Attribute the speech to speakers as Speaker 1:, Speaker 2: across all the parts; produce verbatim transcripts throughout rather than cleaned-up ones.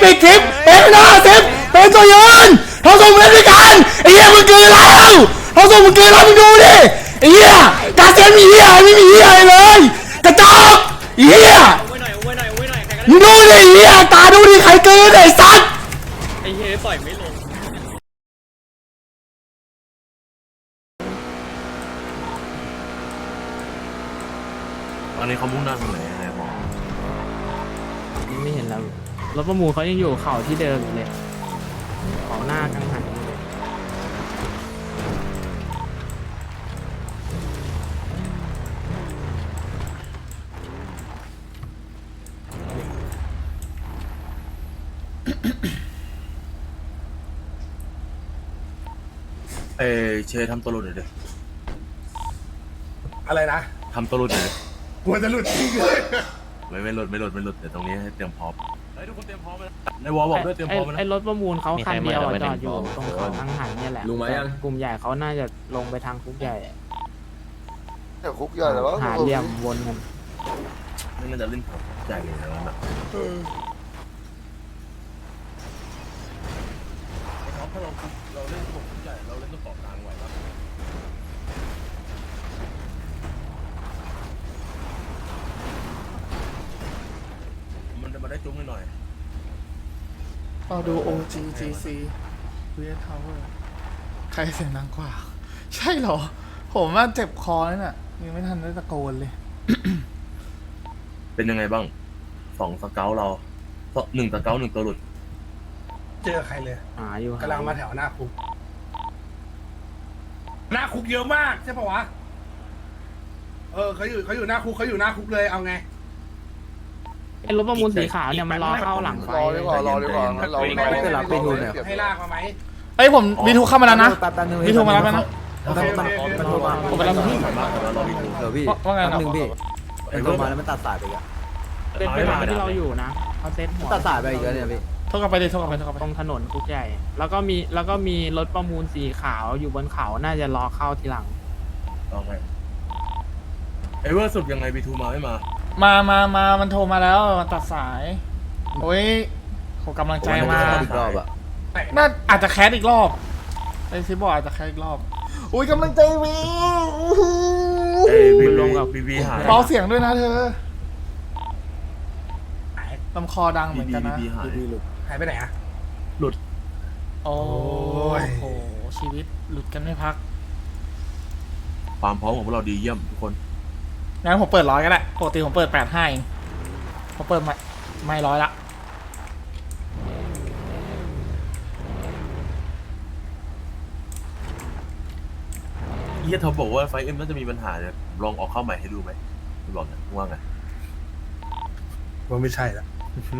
Speaker 1: ปิดคลิปเป็นหน้าสิบเป็นตัวยืนเขาส่งเล่นด้วยกันไอ้เหี้ยมึงเกินแล้วเขาส่งมึงเกินแล้วมึงดูดิไอ้เหี้ยกาเซียนมีเหี้ยไม่มีเหี้ยเลยกระจอกไอ้เหี้ยมึงดูดิไอ้เหี้ยตาดูดิใครเกินไอ้สัตว์
Speaker 2: ไอ้เฮ้ยปล่อยไม่ลง
Speaker 3: ตอนนี้เขามุ่งหน้าตรงไหนอะไรหมอ
Speaker 4: ไม่เห็นแล้วรถประมูลเขายังอยู่เขาที่เดิมอยู่เลยเขาหน้ากังหันอยู่เลย
Speaker 3: เออเชทำตัวหลุดหน่อยดิ
Speaker 5: อะไรนะ
Speaker 3: ทำตัวหลุดหน่อยดิ
Speaker 5: กลัวจะหลุดจริงเลย
Speaker 3: ไม่ไม่หลุดไม่หลุดไม่หลุดเดี๋ยวตรงนี้ให้เตรียมพร้อมเฮ้ยทุกคนเตรียมพร้อมเลยในวอลบอกด้วยเตรียมพร้อมนะ
Speaker 4: ไอ้รถประมูลเขาคันเดียวจอดอยู่ตรงเขากังหันเนี่ยแหละกลุ่มใหญ่เขาน่าจะลงไปทางคุกใหญ่
Speaker 6: แต่คุกใหญ่แล้ว
Speaker 4: หาเหลี่ยมวนกัน
Speaker 3: ไม่น่าจะเล่นผมใหญ่เลยนะแบบถ้าเราเราเล่นผมใหญ่เราเล่นตัวต่อกลางไหวครับมันจะมาได้จุ้งหน่อย
Speaker 1: เราดู โอ จี จี ซี เวียทาวเวอร์ใครเสียงดังกว่าใช่เหรอผมว่าเจ็บคอแล้วน่ะยังไม่ทันได้ตะโกนเลย
Speaker 3: เป็นยังไงบ้างสองสเกลเราหนึ่งสเกลหนึ่งตัวหลุด
Speaker 5: เจอใครเลย
Speaker 4: หาอยู่
Speaker 5: กำลังมาแถวหน้าคุกหน้าคุกเยอะมากใช่ปะวะเออเขาอยู่เขาอยู่หน้าคุกเขาอยู่หน้าคุกเลยเอาไง
Speaker 4: ไอ้รถประมูลสีขาวเนี่ยมันรอเข้าหลังไฟ
Speaker 6: รอดีกว่ารอดีกว่างั้นเรา
Speaker 5: ไม่รับไปดูเนี่ยให้ลากมาไหม
Speaker 1: เอ้ยผมวีทูเข้ามาแล้วนะวีทูมาแล้วนะ
Speaker 5: โอเคโอเค
Speaker 1: ผมไปรับพี่
Speaker 3: เดี๋ยว
Speaker 1: พี่ว่าไงนะ
Speaker 7: พี่เอ็นโทรมาแล้วมันตัดสายไปอ่ะ
Speaker 4: เป็นเวลาที่เราอยู่นะเขาเซ็ตหัว
Speaker 7: ตัดสายไปอีกแล้วเนี่ยพี่
Speaker 1: โทษกลับไปดิโทษกลับไปโทษกลับไป
Speaker 4: ตรงถนนคุกใหญ่แล้วก็มีแล้วก็มีรถประมูลสีขาวอยู่บนเขาน่าจะรอเข้าทีหลัง
Speaker 3: โอเคไอเวอร์สุดยังไงบีทูมาไม่มา
Speaker 1: มามามามันโทรมาแล้วมันตัดสายโอ้ยขอกำลังใจมา
Speaker 7: อีกรอบอ่ะ
Speaker 1: น่าอาจจะแคสอีกรอบไอซิบอกอาจจะแคสอีกรอบอุ้ยกำลังใจวี
Speaker 3: เอ้ยบีลงกับบีบีหาย
Speaker 1: เบาเสียงด้วยนะเธอลำคอดังเหมือนกันนะ
Speaker 5: หายไปไหนอะ
Speaker 3: หลุด
Speaker 1: โอ้โหชีวิตหลุดกันไม่พัก
Speaker 3: ความพร้อมของพวกเราดีเยี่ยมทุกคน
Speaker 1: งั้นผมเปิดร้อยก็ได้ปกติผมเปิดแปดห้าเองผมเปิดไม่ไม่ร้อยละ
Speaker 3: เฮียเขาบอกว่าไฟเอ็มน่าจะมีปัญหาเนี่ยลองออกเข้าใหม่ให้ดูไหมคุณบอกนะว่าไง
Speaker 5: ว่าไม่ใช่ละ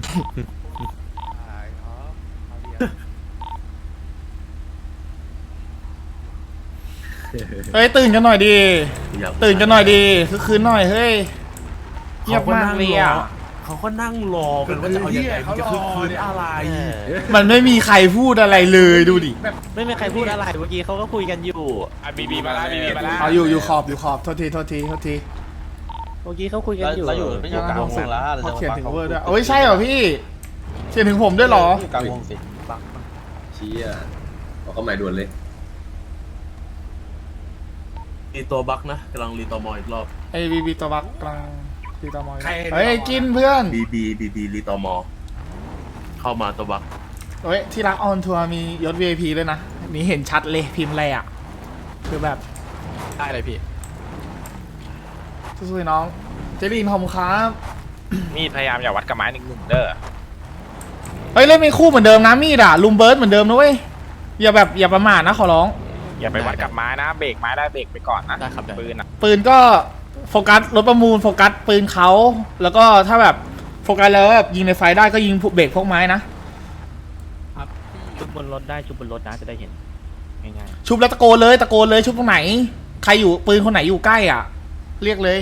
Speaker 1: เฮ้ยตื่นกันหน่อยดีตื่นกันหน่อยดีคือคืนหน่อยเฮ้ยเงียบมากเลยอ่ะ
Speaker 3: เขาก็นั่งรอกันว่าจะเอาอย่างไรมันจะคือคืนอะไร
Speaker 1: มันไม่มีใครพูดอะไรเลยดูดิ
Speaker 4: ไม่มีใครพูดอะไรเมื่อกี้เขาก็คุยกันอยู่
Speaker 2: อ่ะบีบีมาแล้วบีบีมาแล้ว
Speaker 1: เอาอยู่อยู่ขอบอยู่ขอบโทษทีโทษทีโทษที
Speaker 4: เมื่อกี้เขาคุยกันอยู่
Speaker 7: เราอยู่ไม่อยู่กลางวงแล้ว
Speaker 1: เขาเขียนถึงเวอร์ด้วยโอ้ยใช่เหรอพี่เขียนถึงผมด้วยเหรอก
Speaker 7: ลางวงสิชี้อ่ะเอาเข้าใหม่ด่วนเลย
Speaker 3: รีตัวบักนะกำลังรีตัวมออีกรอบ
Speaker 1: ไอบีบีตัวบักกำลังรีตัวมอเฮ้ยกินเพื่อน
Speaker 3: บีบีบีบีรีตัวมอเข้ามาตัวบัก
Speaker 1: เฮ้ยที่รักออนทัวร์มียศ วี ไอ พี ด้วยนะนี่เห็นชัดเลยพิมพ์อะไรอ่ะคือแบบ
Speaker 2: ได้เลยพี่
Speaker 1: สู้ๆน้องเจลีนขอบคุณครับ
Speaker 2: มีดพยายามอย่าวัดกับไม้หนึ่งหนึ่งเด้อ
Speaker 1: เฮ้ยเล่นเป็นคู่เหมือนเดิมนะมีดอ่ะลุมเบิร์ดเหมือนเดิมนะเว้ยอย่าแบบอย่าประมาทนะขอร้อง
Speaker 2: อย่าไปวัดกับไม้นะเบรกไม้ได้เบรกไปก่อนนะปืนนะ
Speaker 1: ปืนก็โฟกัสรถประมูลโฟกัสปืนเขาแล้วก็ถ้าแบบโฟกัสแล้วแบบยิงในไฟได้ก็ยิงเบรกพวกไม้นะครับ
Speaker 4: ชุบบนรถได้ชุบบนรถนะจะได้เห็นง่าย
Speaker 1: ๆชุบแล้วตะโกนเลยตะโกนเลยชุบตรงไหนใครอยู่ปืนคนไหนอยู่ใกล้อ่ะเรียกเลย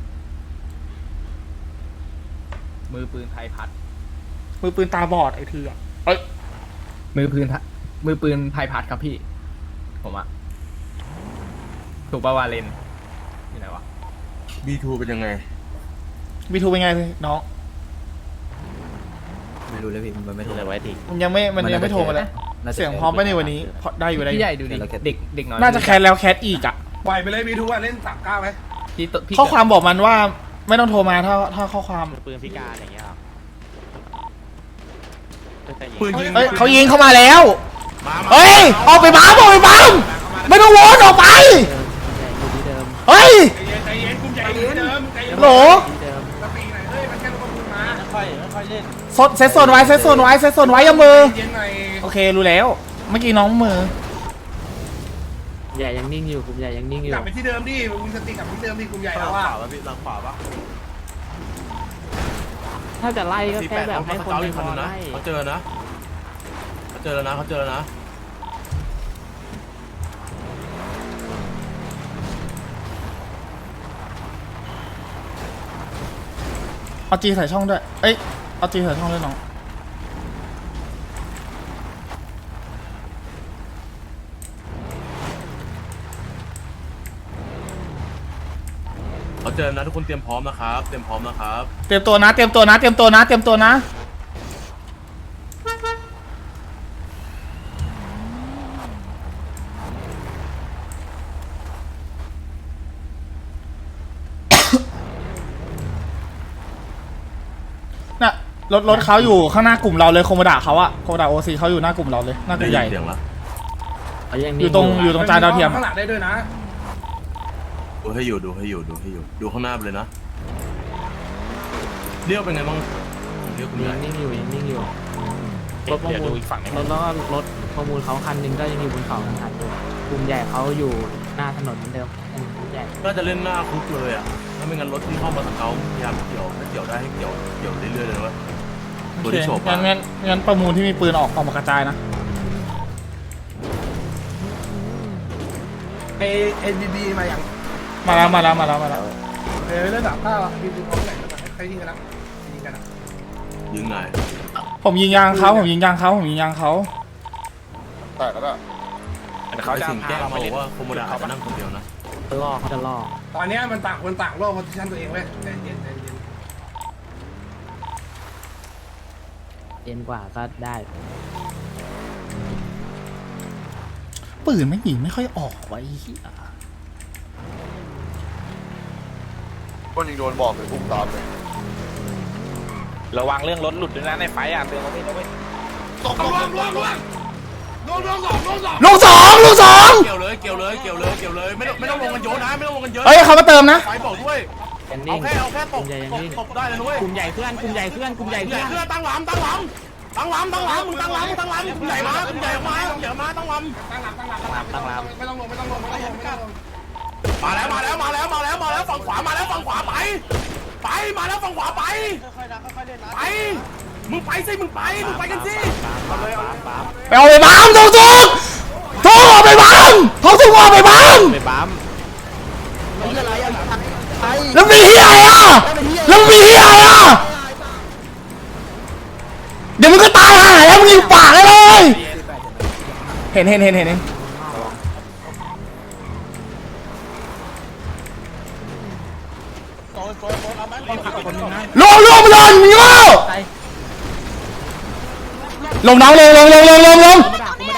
Speaker 7: มือปืนไทยพัด
Speaker 1: มือปืนตาบอดไอ้ทีอ่ะเอ้ย
Speaker 7: มือปืนมือปืนไทยพัดครับพี่ผมอะถูกปะวาเลนนี่ไหนวะ
Speaker 3: บีทูเป็นยังไง
Speaker 1: บีทูเป็นไงน้อง
Speaker 8: ไม่รู้เลยพี่มันไม่โทรไว้ที
Speaker 1: มันยังไม่มันยังไม่โทรมาเลยเสียงพร้อมไปในวันนี้ได้อยู่ได้อ
Speaker 7: พี่
Speaker 1: ยู่
Speaker 7: ใหญ่ดูดิเด็กเด็กน้อย
Speaker 1: น่าจะแคสแล้วแคสอีกอ่ะ
Speaker 5: ปล่อยไปเลยวีทูอะเล่นสามเก้าไหม
Speaker 7: พี่ตัวพี่
Speaker 1: ข้อความบอกมันว่าไม่ต้องโทรมาถ้าถ้าข้อความ
Speaker 2: ปืนพิการอย่างเงี้ยหรอ
Speaker 3: ปืนยิง
Speaker 1: เฮ้ยเขายิงเข้ามาแล้ว
Speaker 3: มามา
Speaker 1: เฮ้ยออกไปบ้ามออกไปบ้ามไม่ต้องวนออกไป
Speaker 4: อยู่ที่เดิม
Speaker 1: เฮ้ย
Speaker 5: ใจเย็นใจเย็นกุมใจเย็นเดิมใจเย็น
Speaker 1: โหล
Speaker 4: ที่เดิม
Speaker 5: สปีไหนเฮ้ยมันแค่รถประมูลมา
Speaker 1: สดเซตโซนไว้เซตโซนไว้เซตโซนไว้อยามือ
Speaker 5: เย็นหน่อย
Speaker 1: โอเครู้แล้วเมื่อกี้น้องมือ
Speaker 4: ใหญ่ยังนิ่งอยู่กลุ่มใหญ่ยังนิ่งอยู่
Speaker 5: กลับไปที่เดิมดิมึงสติกลับไปที่เดิมดิกลุ่มใหญ่แล้วว่า
Speaker 4: ถ้าจะไล่ก็แค่แบบให้คนใน
Speaker 3: สี่
Speaker 4: พ
Speaker 3: แปด
Speaker 4: อ
Speaker 3: นะ
Speaker 4: ไล่
Speaker 3: เขาเจอนะเขาเจอแล้วนะเขาเจอแล้วนะ
Speaker 1: เอาจีใส่ช่องด้วยเอ้ยเอาจีใส่ช่องด้วยน้อง
Speaker 3: เขาเจอนะทุกคนเตรียมพร้อมนะครับเตรียมพร้อมนะครับ
Speaker 1: เตรียมตัวนะเตรียมตัวนะเตรียมตัวนะเตรียมตัวนะน่ะรถรถเขาอยู่ข้างหน้ากลุ่มเราเลยโคโมดะเขาอะโคโมดะโอซีเขาอยู่หน้ากลุ่มเราเลยหน้ากลุ่มใหญ่
Speaker 3: ได้ยินเสียงแล้ว
Speaker 4: เขายัง
Speaker 1: อ
Speaker 4: นิ่ง
Speaker 1: ยู่ตรงอยู่ตรงจานดาวเทียม
Speaker 5: ข้างหลังได้ด้วยนะ
Speaker 3: ดูให้อยู่ดูให้อยู่ดูให้อยู่ดูข้างหน้าไปเลยนะเรียวเป็นไงบ้างเรียวคุณใหญ่
Speaker 4: ยังนิ่งอยู่ยังนิ่งอยู่รถประ
Speaker 2: เดี๋ยว
Speaker 4: มู
Speaker 2: ดู
Speaker 4: ล
Speaker 2: อีกฝั่งหนึง
Speaker 4: รถแล้วก็รถประมูลเขาคันหนึงก็ยังอยู่บนเขาทางหันอยู่กลุ่มใหญ่เขาอยู่หน้าถนนเหมือนเดิมอืมกลุ่มใหญ่
Speaker 3: น่าจะเล่นหน้าคุกเลยอ่ะถ้าไม่งั้นรถที่เข้ามาทางเขาพยายามเกี่ยวถ้าเกี่ยวได้ให้เกี่ยวเกี่ยวเรื่อยๆเลยนะตัวที่โฉบ
Speaker 1: งั้นงั้นงั้นประมูลที่มีปืนออกออกมากระจายนะ
Speaker 5: เอเอ็นบีบีมาอย่าง
Speaker 1: มาแล้วมาแล้วมาแล้วมาแล้ว
Speaker 5: เออเล่นสามเก้าอ่ะบีบีพร้อมไหนใครยิงกันนะยิงกันนะ
Speaker 3: ยิงไหน
Speaker 1: ผมยิงยางเขาผมยิงยางเขาผมยิงยางเขา
Speaker 6: แต่ก็ได้
Speaker 2: เขาจะ
Speaker 3: สิ่ง
Speaker 2: พา
Speaker 3: แก้
Speaker 2: เรา
Speaker 3: เขา
Speaker 2: มา
Speaker 3: บอ
Speaker 2: เล่น
Speaker 3: กว่าโคโมดะอาจจะนั่งคนเดียวนะ
Speaker 4: จะล่อเขาจะล่อ
Speaker 5: ตอนนี้มันต่างคนต่างโลกโพสิชันตัวเองเว้ยใจเย็นใจเย็น
Speaker 4: เย็นกว่าก็ได้
Speaker 1: ปืนไม่ยิงไม่ค่อยออกไว้เหี้ย
Speaker 6: คนยิงโดนบอกเลยพุ่งตามเลย
Speaker 2: ระวังเรื่องรถหลุดด้วยนะในไฟอ่ะเตือนเขาไม่ด้วย
Speaker 5: ล่วงล่วงล่วงล่วงล่วงล่วงสองล่วงสอง
Speaker 1: ลูกสองลูกสอง
Speaker 3: เกี่ยวเลยเกี่ยวเลยเกี่ยวเลยเกี่ยวเลยไม่ต้องไม่ต้องลงกันเยอะนะไม่ต้องลงกันเยอะ
Speaker 1: เฮ้ยเขามาเติมนะ
Speaker 3: ไฟบอกด้วย
Speaker 4: ยัง
Speaker 3: เอา
Speaker 4: นิ่ง
Speaker 3: แค่เอาแค่ต
Speaker 4: กลุ่
Speaker 3: ก
Speaker 4: มใหญ่ยัง
Speaker 3: ตก
Speaker 4: นิ่ง
Speaker 3: ตกได้เลยนุ้ย
Speaker 4: กลุ่มใหญ่เพื่อนกลุ่มใหญ่เพื่อนกลุ่มใหญ่
Speaker 3: ใหญ่
Speaker 4: เพื่อน
Speaker 3: เพื่อตั้งหลำตั้งหลำตั้งหลำตั้งหลำมึงตั้งหลำมึงตั้งหลำใหญ่มาใหญ่มาใหญ่มาตั้งหลำ
Speaker 5: ตั้งหลักตั้งหลักตั้งหลักตั้งหลักไม่ต้องลงไม่ต้องลงไม่ต้องลงไม่ต้องลง
Speaker 3: มาแล้วมาแล้วมาแล้วมาแล้วมาแล้วฝั่งขวามาแล้วฝั่งขวาไป ไปมาแล้วฝั่งขวาไปไปมึงไปสิมึงไปมึงไปกันสิ
Speaker 1: ไปเอาไปบ้ามทองสุกทองเอาไปบ้ามทองสุกเอาไปบ้าม
Speaker 2: ไปปั๊ม
Speaker 1: แล้วมีเฮียอะไรอ่ะแล้วมีเฮียอะไรอ่ะเดี๋ยวมึงก็ตายห่าแล้วมึงยิงปากได้เลยเห็นเห็นเห็นเห็นเห็นลงลงลงมึงโง่ลงน้องลงลงลงลงลงลง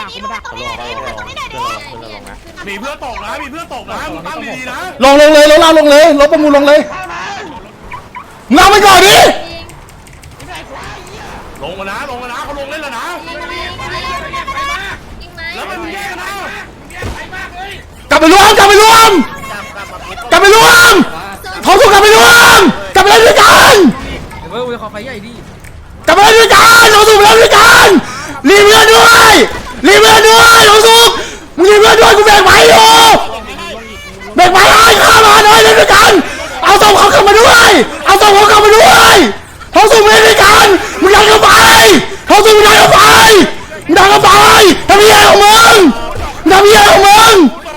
Speaker 3: มีเพื่อนตกนะมีเพื่อนตกนะมึงตั้งดีๆนะ
Speaker 1: ลงลงเลยลงเราลงเลยรถประมูลลงเลยมึงเอาไปก่อนดิ
Speaker 3: ลงมานะลงมานะเขาลงเล่นแล้วนะแล้วมันแย่นะ
Speaker 1: กลับไปรวมกลับไปรวมกลับไปรวมเขาถูกกลับไปรวมกลับไปเล่นด้วยกัน
Speaker 7: เว้ยขอไฟใหญ่ดิ
Speaker 1: กลับไปเล่นด้วยกันเขาถูกไปเล่นด้วยกันรีเพื่อนด้วยรีเพื่อนด้วยเขาถูกมึงรีเพื่อนด้วยกูแบกไม้อยู่แบกไม้ให้ข้ามาหน่อยเล่นด้วยกันเอาส่งเขากลับมาด้วยเอาส่งเขากลับมาด้วยเขาถูกเล่นด้วยกันมึงดันเข้าไปเขาถูกมึงดันเข้าไปมึงดันเข้าไปทำยังไงของมึงทำยังไงของมึง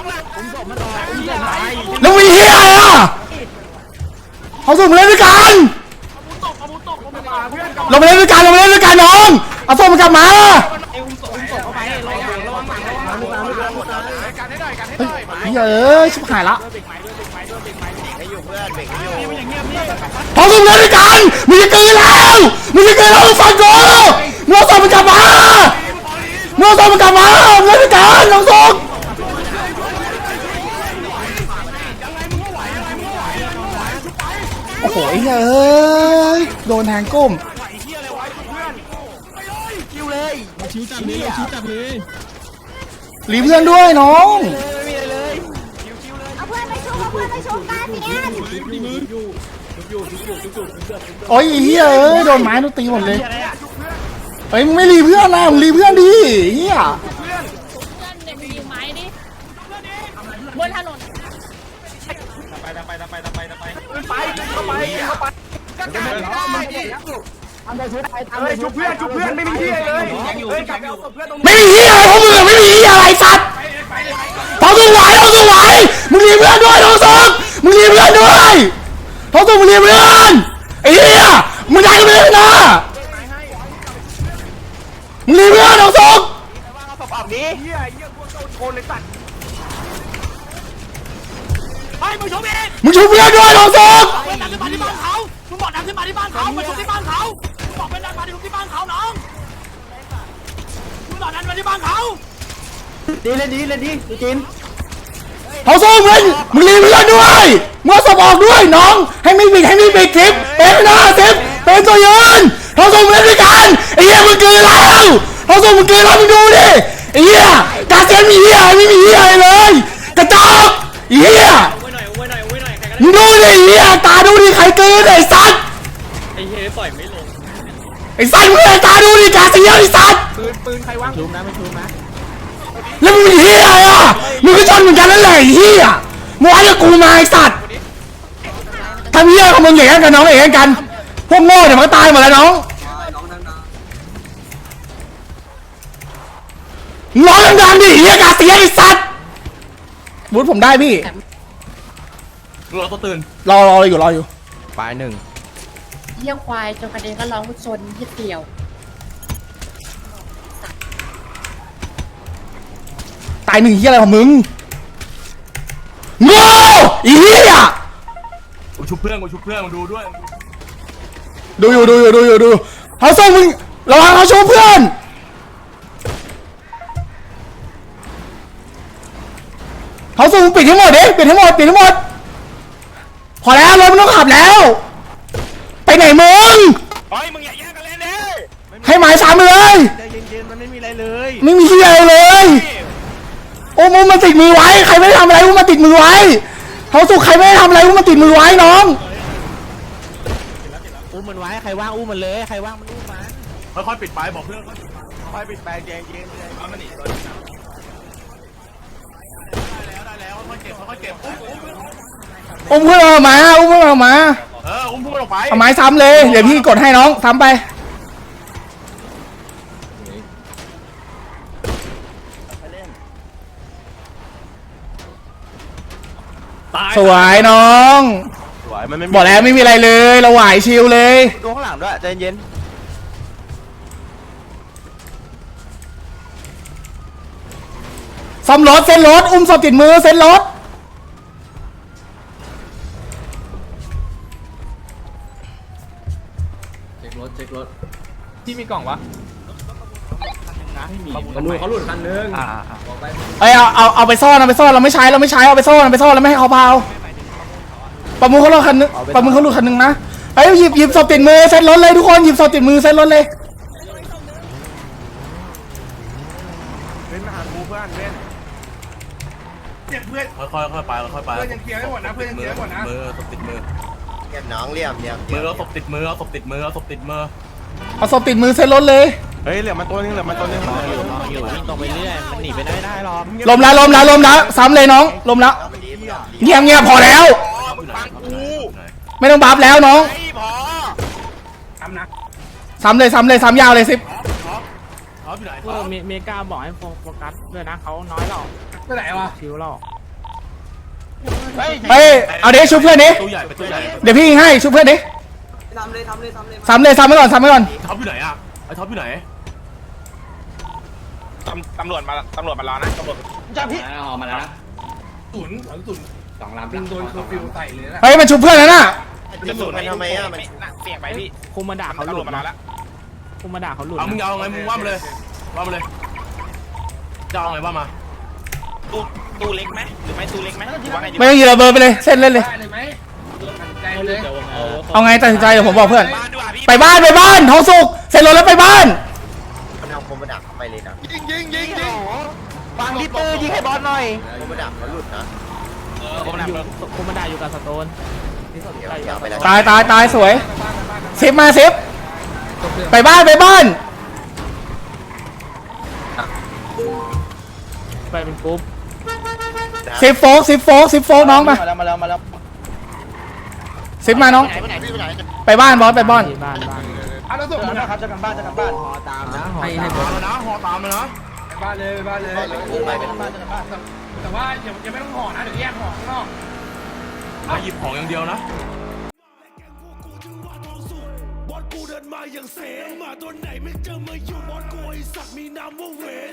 Speaker 1: แล้วมีเฮียอะไรอ่ะเขาส่งมาเล่นด้วยกันลงมาเล่นด้วยกันลงมาเล่นด้วยกันน้องเอาส่งมันกลับมาเฮ้ยเอ้ยชิบหายละพเขาส่งเล่นด้วยกันมึงจะเกินแล้วมึงจะเกินแล้วมึงฟังกูมึงเอาศพมันกลับมามึงเอาศพมันกลับมาเล่นด้วยกันน้องส่งโอ้โหไอ้เฮ้ยโดนแทงก้มรีเพื่อนด้วยน้อง
Speaker 8: เอาเพื่อนไปชุบเอาเพื่อนไปชุบกันพี่แอน
Speaker 1: โอ้ยไอ้เฮียเอ้ยโดนไม้โดนตีหมดเลยเฮ้ยมึงไม่รีเพื่อนนะมึงรีเพื่อนดิเฮีย
Speaker 8: เพื่อนเด็กยิงไม้ดิบนถนน
Speaker 2: ไปไปไปไปไปไป
Speaker 3: ไปเข้าไปเข้าไปก็การได้เฮ้ยชุบเพื่อนชุบเพื่อนไม่มีที่เลยเฮ้ยกลับไปเอาศพเพื่อนตรงนี้
Speaker 1: ไม่มีเฮียอะไรพวกมึงอะไม่มีเฮียอะไรสัตว์ท้องสุกไหวท้องสุกไหวมึงรีเพื่อนด้วยท้องสุกมึงรีเพื่อนด้วยท้องสุกมึงรีเพื่อนไอ้เฮียมึงได้กันเลยนะมึงรีเพื่อนท้องสุก
Speaker 3: เอาศพออกนี้เฮียเฮียพวกโดนโกนเลยสัตว์ไปมึงชุบเอง
Speaker 1: มึงช่วยเพื่อนด้วยท้องสุก
Speaker 3: เพื่อนดันขึ้นมาที่บ้านเขามึงบอกดันขึ้นมาที่บ้านเขามาชุบที่บ้านเขามึงบอกเพื่อนดันมาที่บ้านเขาน้องมึงบอกดันมาที่บ้านเขา
Speaker 1: ท้องสุกมึงมึงรีเพื่อนด้วยมึงเอาศพออกด้วยน้องให้ไม่บิดให้ไม่บิดคลิปเป็นหน้าสิบเป็นตัวยืนท้องสุกมึงเล่นด้วยกันไอ้เหี้ยมึงเกินแล้วท้องสุกมึงเกินแล้วมึงดูดิไอ้เหี้ยกาเซียนมีเหี้ยไม่มีเหี้ยอะไรเลยกระจอกไอ้เหี้ยมึงดูดิไอ้เหี้ยตาดูดิใครเกินไอ้สัตว์ไอ้เหี้ยปล่อยไม่ลงไอ้สัตว์มึงตาดูดิกาเซียนไอ้สัตว์ปืนปืนใครวางชุบนะไม่ชุบนะแล้วมึงเป็นเหี้ยอะไรอ่ะมึงก็ชนเหมือนกันนั่นแหละไอ้เหี้ยมึงไอ้กับกูมาไอ้สัตว์ทำเหี้ยของมึงอย่างนั้นกับน้องอย่างนั้นกันพวกโง่เดี๋ยวมันก็ตายหมดแล้วน้องน้องดังๆดิเหี้ยกาเซียนไอ้สัตว์บูธผมได้พี่
Speaker 3: เราตัวตื่น
Speaker 1: รอรออยู่รออยู่
Speaker 7: ปลายหนึ่ง
Speaker 8: เยี่ยควายจนกระเด็นก็ร้องชนที่เดียว
Speaker 1: ตายหนึ่งเหี้ยอะไรของมึงโง่อีเหี้ย
Speaker 3: กูชุบเพื่อนกูชุบเพื่อนมาดูด้วย
Speaker 1: ดูอยู่ดูอยู่ดูอยู่ดูเขาส่งมึงระวังเขาโชว์เพื่อนเขาส่งมึงปิดให้หมดดิปิดให้หมดปิดให้หมดพอแล้วรถมันต้องขับแล้ว ไปไหนมึง
Speaker 2: เฮ้ยมึงอย่าแย่งกันเล่นดิ
Speaker 1: ให้หมายสามไปเลย
Speaker 2: ใจเย็นๆมันไม่มีอะไรเลย
Speaker 1: ไม่มีที่อะไรเลยโอ้มึงมาติดมือไว้ใครไม่ได้ทำอะไรมึงมาติดมือไว้เขาสุกใครไม่ได้ทำอะไรมึงมาติดมือไว้น้อง
Speaker 4: อุ้มมันไว้ใครว่างอุ้มมันเลยใครว่างมันอุ้มมัน
Speaker 3: ค่อยๆปิดไปบอกเพื่อน
Speaker 2: ไปปิดแปลงเย็นเย็นเอามันหนีตัว
Speaker 3: ได้แล้วค่อยๆเก็บค่อยๆเก็บอุ้มอุ้ม
Speaker 1: อุ้มเพื่อนเอามาอุ้มเพื่อนเอามา
Speaker 3: เอออุ้มพูดออกไป
Speaker 1: เอาไม้ซ้ำเลยเดี๋ยวพี่กดให้น้องซ้ำไปสวยน้อง
Speaker 2: สวยมันไม่
Speaker 1: บอกแล้วไม่มีอะไรเลยเราไหวชิลเลย
Speaker 2: ดูข้างหลังด้วยใจเย็น
Speaker 1: ซ่อมรถเส้นรถอุ้มศพติดมือเส้นรถเช็ครถเช็ครถ
Speaker 7: ที่มีกล่องวะ
Speaker 4: มันดูเขาหลุดคันนึง
Speaker 2: อ่า
Speaker 1: เอ้ยเอาเอาเอาไปซ่อนเอาไปซ่อนเราไม่ใช้เราไม่ใช้เอาไปซ่อนเอาไปซ่อนแล้วไม่ให้เขาเผาประมูลเขาหลุดคันนึงประมูลเขาหลุดคันนึงนะเอ้ยหยิบหยิบศพติดมือเส้นรถเลยทุกคนหยิบศพติดมือเส้นรถเลย
Speaker 2: เป็นมาหากูเพื่อนเว้น
Speaker 5: เจ็บเพื่อน
Speaker 3: ค่อยๆค่อยๆไปค่อยๆไป
Speaker 5: เพื่อนยังเคลียร์ไม่หมดนะเพื่อนยังเคลียร์ไม่หมดนะ
Speaker 3: มือศพติดมือ
Speaker 6: เก็บน้องเลี่ยมเลี่ยม
Speaker 3: มือเอาศพติดมือเอาศพติดมือเอาศพติดมือ
Speaker 1: เอาศพติดมือเส้นรถเลย
Speaker 2: เฮ้ยเหลือมันตัวนึงเหลือมันตัวนึง
Speaker 4: อยู่อยู่วิ่งตรงไปเรื่อยมันหนีไปได้ไม่ได้หรอก
Speaker 1: ลมแล้วลมแล้วลมแล้วซ้ำเลยน้องลมแล้วเงียบเงียบพอแล้ว
Speaker 2: ฟังกู
Speaker 1: ไม่ต้องบัฟแล้วน้อง
Speaker 2: ไอ้พอ
Speaker 5: ทำนะ
Speaker 1: ซ้ำเลยซ้ำเลยซ้ำยาวเลยสิบ
Speaker 3: ท็อปอยู่ไหน
Speaker 4: เออเมเมกาบอกให้โฟกัสด้วยนะเขาน้อยหรอก
Speaker 5: ไปไหนวะ
Speaker 4: ชิวหรอก
Speaker 2: เฮ้ย
Speaker 1: เฮ้ยเอาเดี๋ยวชุบเพื่อนดิ
Speaker 3: ตัวใหญ่เป็นตัวใหญ่
Speaker 1: เดี๋ยวพี่ยิงให้ชุบเพื่อนดิทำเลยทำเลยซ้ำเลยซ้ำไปก่อนซ้ำไปก่อน
Speaker 3: ท็อปอยู่ไหนอ่ะไอ้ท็อปอยู่ไหน
Speaker 2: ตำตำรวจมาตำรวจมารอนะตำรวจ
Speaker 4: ออกมาแล้วนะ
Speaker 5: ศูนย์หลังศูนย์สองลำโดนเคอร์ฟิวใส่เลยนะ
Speaker 1: เฮ้ยมันชุบเพื่อนแล้วน่ะ
Speaker 6: กระสุนมันทำไมอ่ะมัน
Speaker 2: เสี่ยงไปพี่
Speaker 4: คุมมาด่าเขาห
Speaker 2: ตำร
Speaker 4: ลุ
Speaker 2: วจ
Speaker 4: ด
Speaker 2: มานอน
Speaker 4: นะ
Speaker 2: แล้ว
Speaker 4: คุมมาด่าเขาหลุด
Speaker 3: เอามึง
Speaker 4: นะ
Speaker 3: เอาไงมึงว่ามาเลยว่ามาเลยจะเอาไงว่ามา
Speaker 2: ตู้ตู้เล็กไหมหรือไม่ตู้เล็กไหมหรือว่าไงดี
Speaker 1: ไม่ต้องยืนระเบิดไปเลยเส้นเล่นเลย
Speaker 5: ได้เลยไหมใจเลย
Speaker 1: เอาไงตัดสินใจเดี๋ยวผมบอกเพื่อน
Speaker 2: บ้านดีกว่าพี่
Speaker 1: ไปบ้านไปบ้านท้องสุกเสร็จรถแล้วไปบ้าน
Speaker 6: มันเอาโคมดักเข้าไปเลยนะ
Speaker 3: ยิงยิงยิงยิง
Speaker 6: ฟังที่ปืนยิงให้บอลหน่อยโคมดักเขาหลุดนะ
Speaker 2: เออผมหนัก
Speaker 4: อยู่
Speaker 2: เลย
Speaker 4: คุมมาด่าอยู่กับสโตนที่สนใจอยู่กับสโตน
Speaker 1: ตายตายตายสวยซิปมาซิปไปบ้านไปบ้าน
Speaker 4: ไปเป็นกรุ๊ป
Speaker 1: ซิปโฟกซิปโฟกซิปโฟกน้องมา
Speaker 3: มาแล้วมาแล้วมาแล้ว
Speaker 1: ซิปมาน้องไปบ้านบอสไปบ้าน
Speaker 4: ที่บ้านบ้าน
Speaker 5: เอาแล้วส่งมึงอะ
Speaker 3: ครับจะกันบ้านจะกันบ้าน
Speaker 4: ให้ให้บอ
Speaker 3: ตาม
Speaker 4: ส
Speaker 3: แล้วนะหอตามเลยนะ
Speaker 5: ไปบ้านเลยไปบ้านเลย
Speaker 3: ไปเป็นบ้านจะกันบ้าน
Speaker 5: แต่ว่ายังยังไม่ต้องห่อนะเดี๋ยวแยกห่อข้างนอก
Speaker 3: มาหยิบของอย่างเดียวนะ
Speaker 9: บอสกูเดินมาอย่างเสมาตัวไหนไม่เจอมาอยู่บอสกูไอสัตว์มีนามว่าเวน